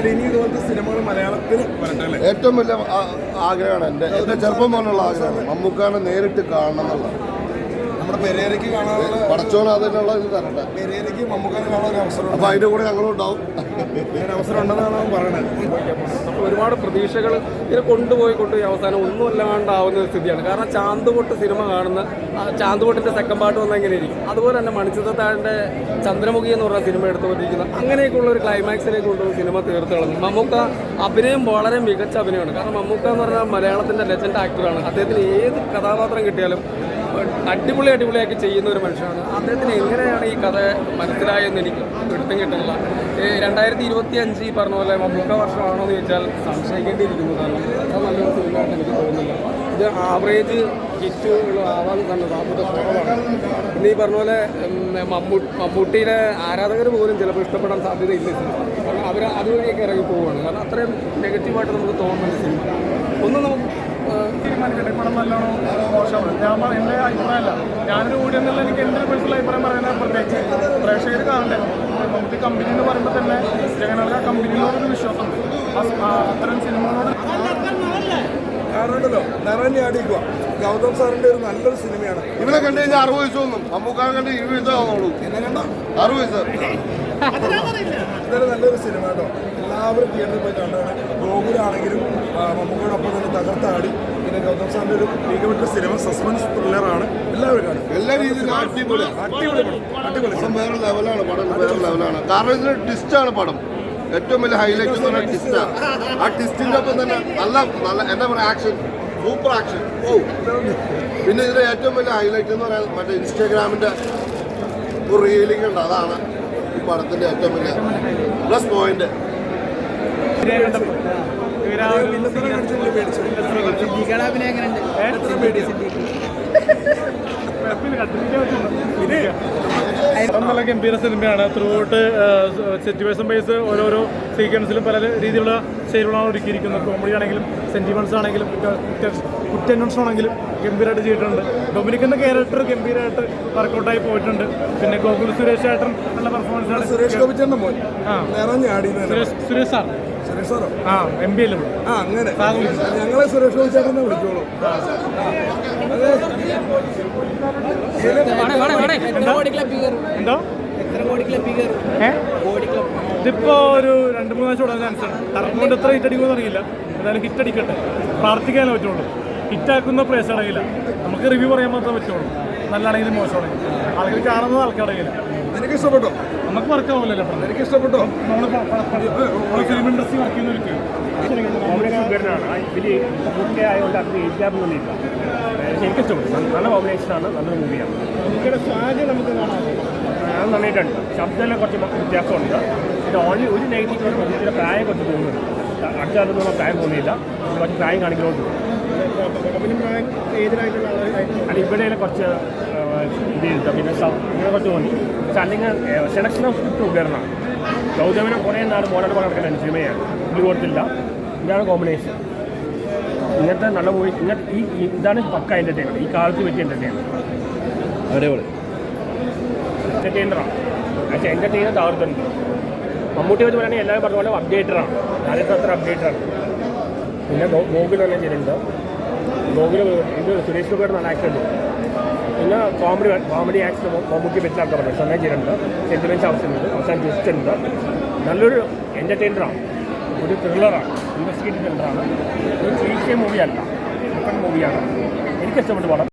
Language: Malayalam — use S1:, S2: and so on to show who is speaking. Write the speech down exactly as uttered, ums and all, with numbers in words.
S1: എന്തായാലും ഇനി ഇതുപോലത്തെ സിനിമകൾ മലയാളത്തിൽ വരട്ടെ.
S2: ഏറ്റവും വലിയ ആഗ്രഹമാണ് എൻ്റെ എൻ്റെ ചെറുപ്പം പോലുള്ള ആഗ്രഹമാണ് മമ്മൂക്കാനെ നേരിട്ട് കാണണം എന്നുള്ളത്.
S1: നമ്മുടെ പെരേരയ്ക്ക് കാണാനുള്ള
S2: പടച്ചോൻ അതിനുള്ള ഇത് തരട്ടെ.
S1: പെരേരയ്ക്ക് മമ്മൂക്കാനെ കാണാൻ ഒരു അവസരം,
S2: അപ്പോൾ അതിൻ്റെ കൂടെ ഞങ്ങളും ഉണ്ടാവും.
S1: അങ്ങനെ അവസരം ഉണ്ടെന്നാണ് അവൻ പറയുന്നത്.
S3: നമ്മൾ ഒരുപാട് പ്രതീക്ഷകൾ ഇതിനെ കൊണ്ടുപോയി കൊണ്ടുപോയി അവസാനം ഒന്നും അല്ലാണ്ടാവുന്ന ഒരു സ്ഥിതിയാണ്. കാരണം ചാന്തുപൊട്ട് സിനിമ കാണുന്ന ചാന്തുപൊട്ടിൻ്റെ സെക്കൻഡ് പാർട്ട് വന്നാൽ എങ്ങനെ ഇരിക്കും, അതുപോലെ തന്നെ മണിച്ചിത്രത്താഴിൻ്റെ ചന്ദ്രമുഖി എന്ന് പറഞ്ഞ സിനിമ എടുത്തുകൊണ്ടിരിക്കുന്ന അങ്ങനെയൊക്കെയുള്ള ഒരു ക്ലൈമാക്സിലേക്ക് കൊണ്ടുപോയി സിനിമ തീർത്ത് കളഞ്ഞു. മമ്മൂക്ക അഭിനയം വളരെ മികച്ച അഭിനയമാണ്. കാരണം മമ്മൂക്ക എന്ന് പറഞ്ഞാൽ മലയാളത്തിൻ്റെ ലെജൻഡ് ആക്ടറാണ്. അദ്ദേഹത്തിന് ഏത് കഥാപാത്രം കിട്ടിയാലും അടിപൊളി അടിപൊളിയാക്കി ചെയ്യുന്ന ഒരു മനുഷ്യനാണ്. അദ്ദേഹത്തിന് എങ്ങനെയാണ് ഈ കഥ മനസ്സിലായെന്ന് എനിക്ക് പിടുത്തം കിട്ടുന്നില്ല. രണ്ടായിരത്തി ഇരുപത്തി അഞ്ച് ഈ പറഞ്ഞ പോലെ മമ്മൂക്ക വർഷമാണോ എന്ന് ചോദിച്ചാൽ സംശയിക്കേണ്ടിയിരിക്കുന്നു. കാരണം അത്ര നല്ലൊരു സിനിമയായിട്ട് എനിക്ക് തോന്നുന്നില്ല. ഇത് ആവറേജ് ഹിറ്റുകൾ ആവാൻ തന്നെ സാധ്യത കുറവാണ്. പിന്നെ ഈ പറഞ്ഞ പോലെ മമ്മൂ മമ്മൂട്ടിയുടെ ആരാധകർ പോലും ചിലപ്പോൾ ഇഷ്ടപ്പെടാൻ സാധ്യതയില്ല സിനിമ. കാരണം അവർ അതുവഴിയൊക്കെ ഇറങ്ങി പോവുകയാണ്. കാരണം അത്രയും നെഗറ്റീവായിട്ട് നമുക്ക് തോന്നുന്നുണ്ട് സിനിമ. ഒന്നും നമുക്ക്
S4: തീരുമാനിക്കട്ടെ പടം നല്ലോണോ മോശമാണ്. ഞാൻ എൻ്റെ അഭിപ്രായമല്ല, ഞാനൊരു കൂടി എന്നുള്ള എനിക്ക് എൻ്റെ ഒരു പേഴ്സണൽ അഭിപ്രായം പറയുന്നത് പ്രത്യേകിച്ച് പ്രേക്ഷകർ കാണണ്ടേ. നമുക്ക് കമ്പനി എന്ന് പറയുമ്പോൾ തന്നെ ജനങ്ങൾക്ക് ആ കമ്പനിയോടൊരു വിശ്വാസമുണ്ട്. അത്തരം സിനിമകളോട്
S1: കാരണം ഉണ്ടല്ലോ നിറഞ്ഞു അടിക്കുക. ഗൗതം സാറിന്റെ ഒരു നല്ലൊരു സിനിമയാണ്.
S2: ഇവനെ കണ്ടു കഴിഞ്ഞാൽ അറുപത് വയസ്സ് തോന്നും. മമ്മൂക്കാനെ കണ്ട് ഇരുപത് വയസ്സ് ആവുന്നുള്ളൂ.
S1: എന്നെ കണ്ടോ
S2: അറുപത് വയസ്സ്.
S1: ഇതൊരു നല്ലൊരു സിനിമ കേട്ടോ. എല്ലാവരും തിയേറ്ററിൽ പോയി കണ്ടാണ്. ഗോകുലാണെങ്കിലും മമ്മൂക്കയോടൊപ്പം തന്നെ തകർത്താടി. പിന്നെ ഗൗതം സാറിന്റെ ഒരു മികവുറ്റ സിനിമ, സസ്പെൻസ് ത്രില്ലറാണ്. എല്ലാവരും കാണും.
S2: എല്ലാ രീതിയിലും അടിപൊളി
S1: അടിപൊളി അടിപൊളി
S2: പടം വേറെ ലെവലാണ്. പടം വേറെ ലെവലാണ്. കാരണം ഇതിന് ട്വിസ്റ്റാണ് പടം. ഏറ്റവും വലിയ ഹൈലൈറ്റ് എന്ന് പറഞ്ഞാൽ ട്വിസ്റ്റാണ്. ആ ട്വിസ്റ്റിൻ്റെ ഒപ്പം തന്നെ നല്ല നല്ല എന്താ പറയുക ആക്ഷൻ, സൂപ്പർ ആക്ഷൻ. ഓ പിന്നെ ഇതിൻ്റെ ഏറ്റവും വലിയ ഹൈലൈറ്റ് എന്ന് പറയാൻ മറ്റേ ഇൻസ്റ്റാഗ്രാമിൻ്റെ ഒരു റീലിംഗ് ഉണ്ട്. അതാണ് ഈ പടത്തിൻ്റെ ഏറ്റവും വലിയ പ്ലസ് പോയിന്റ്.
S4: നല്ല ഗംഭീര സിനിമയാണ്. ത്രൂ ഔട്ട് സിറ്റുവേഷൻ ബേസ് ഓരോരോ സീക്വൻസിലും പല രീതിയിലുള്ള ശൈലികളാണ് ഒരുക്കിയിരിക്കുന്നത്. കോമഡി ആണെങ്കിലും സെന്റിമെന്റ്സ് ആണെങ്കിലും കുറ്റന്വേഷണം ആണെങ്കിലും ഗംഭീരമായിട്ട് ചെയ്തിട്ടുണ്ട്. ഡൊമിനിക്കിന്റെ ക്യാരക്ടർ ഗംഭീരമായിട്ട് വർക്കൗട്ടായി പോയിട്ടുണ്ട്. പിന്നെ ഗോകുൽ സുരേഷ് ഏട്ടൻ നല്ല പെർഫോമൻസ് ആണ്.
S1: സുരേഷ് ഗോപിച്ചേട്ടൻ്റെ മോൻ നിറഞ്ഞാടി.
S4: സുരേഷ് സാർ
S1: സുരേഷ് സാറോ?
S4: ആ എം ബി അല്ലേ?
S1: ആ അങ്ങനെ ഞങ്ങളെ സുരേഷ് ഗോപിച്ചേട്ടനെ വിളിച്ചോളൂ.
S4: എന്തോ ഇതിപ്പോ ഒരു രണ്ട് മൂന്ന് ആഴ്ച ഉടനെ ചാൻസ് ആണ്. കറക്റ്റ് കൊണ്ട് എത്ര ഹിറ്റ് അടിക്കുമെന്ന് അറിയില്ല. എന്തായാലും ഹിറ്റ് അടിക്കട്ടെ, പ്രാർത്ഥിക്കാനേ പറ്റുള്ളൂ. ഹിറ്റാക്കുന്ന പ്രേസ് അടങ്ങില്ല. നമുക്ക് റിവ്യൂ പറയാൻ മാത്രമേ പറ്റുള്ളൂ. നല്ലതാണെങ്കിലും മോശമാണെങ്കിൽ ആൾക്കാർ കാണുന്നത് ആൾക്കടങ്ങില്ല.
S1: എനിക്ക് ഇഷ്ടപ്പെട്ടോ?
S4: നമുക്ക് വർക്ക് ആവില്ലല്ലോ.
S1: എനിക്ക് ഇഷ്ടപ്പെട്ടോ?
S4: നമ്മൾ ഫിലിം ഇൻഡസ്ട്രി വർക്ക് ചെയ്യുന്നവർക്ക്
S5: ഇതിൽ മുഖ്യ ആയതുകൊണ്ട് അത് ഇല്ലാതൊന്നുമില്ല. എനിക്ക് ഇഷ്ടപ്പെട്ടു. നല്ല കോമ്പിനേഷനാണ്, നല്ലൊരു മൂവിയാണ്.
S4: നമുക്കിടെ സാഹചര്യം നമുക്ക് കാണാം.
S5: അത് നന്നായിട്ടുണ്ട്. ശബ്ദമെല്ലാം കുറച്ച് വ്യത്യാസമുണ്ട്. പിന്നെ ഓൺലി ഒരു നെഗറ്റീവ് ഇതിൻ്റെ പ്രായം കുറച്ച് തോന്നുന്നുണ്ട്. അടുത്ത കാലത്തൊന്നും പ്രായം തോന്നിയില്ല. കുറച്ച് പ്രായം കാണിക്കുന്നതുകൊണ്ട് അല്ല ഇവിടെ കുറച്ച് ഇത് ചെയ്തിട്ട് പിന്നെ ഇങ്ങനെ കുറച്ച് തോന്നി. പക്ഷെ അല്ലെങ്കിൽ സെലക്ഷൻ ഓഫ് സ്ക്രിപ്റ്റ് ഉപകരണമാണ്. ഗൗതമനെ കുറേ നാൾ മോഡൽ പോലെ നടക്കുന്ന സിനിമയാണ്. പുള്ളി കൊടുത്തില്ല. ഇതാണ് കോമ്പിനേഷൻ. ഇങ്ങനത്തെ നല്ല മൂവി ഇങ്ങനത്തെ ഈ ഇതാണ് പക്ക എൻ്റർടൈൻമെൻറ്റ്. ഈ കാലത്ത് പറ്റിയ എൻ്റർടൈൻമെൻറ്റ്
S2: അടിപൊളി
S5: എൻ്റർടൈനറാണ്. പക്ഷേ എൻ്റർടൈനർ തകർത്തുണ്ട്. മമ്മൂട്ടി വെച്ച് പറയുകയാണെങ്കിൽ എല്ലാവരും പറഞ്ഞ പോലെ അപ്ഡേറ്ററാണ്. ഞാനിപ്പോൾ അത്ര അപ്ഡേറ്ററാണ്. പിന്നെ ഗോകുൽ തന്നെ ചെയ്തിട്ടുണ്ട്. ഗോകുൽ ഇത് സുരേഷ് ഗോപിയുടെ നല്ല ആക്ഷൻ ഉണ്ട്. പിന്നെ കോമഡി കോമഡി ആക്ഷൻ മമ്മൂട്ടി വെച്ചാക്കാൻ പറഞ്ഞു. സമയം ചെയ്തിട്ടുണ്ട്. സെൻറ്റിമെൻറ്റ്സ് ആവശ്യമുണ്ട്. അവസാനം ട്വിസ്റ്റ് ഉണ്ട്. നല്ലൊരു എൻ്റർടൈനറാണ്. ഒരു ത്രില്ലറാണ്. ഇൻവെസ്റ്റിഗേറ്റീവ് ത്രില്ലറാണ്. ഒരു ക്ലീഷേ മൂവിയല്ല. ഡിഫറെൻറ്റ് മൂവിയാണ്. എനിക്കിഷ്ടപ്പെട്ട പടം.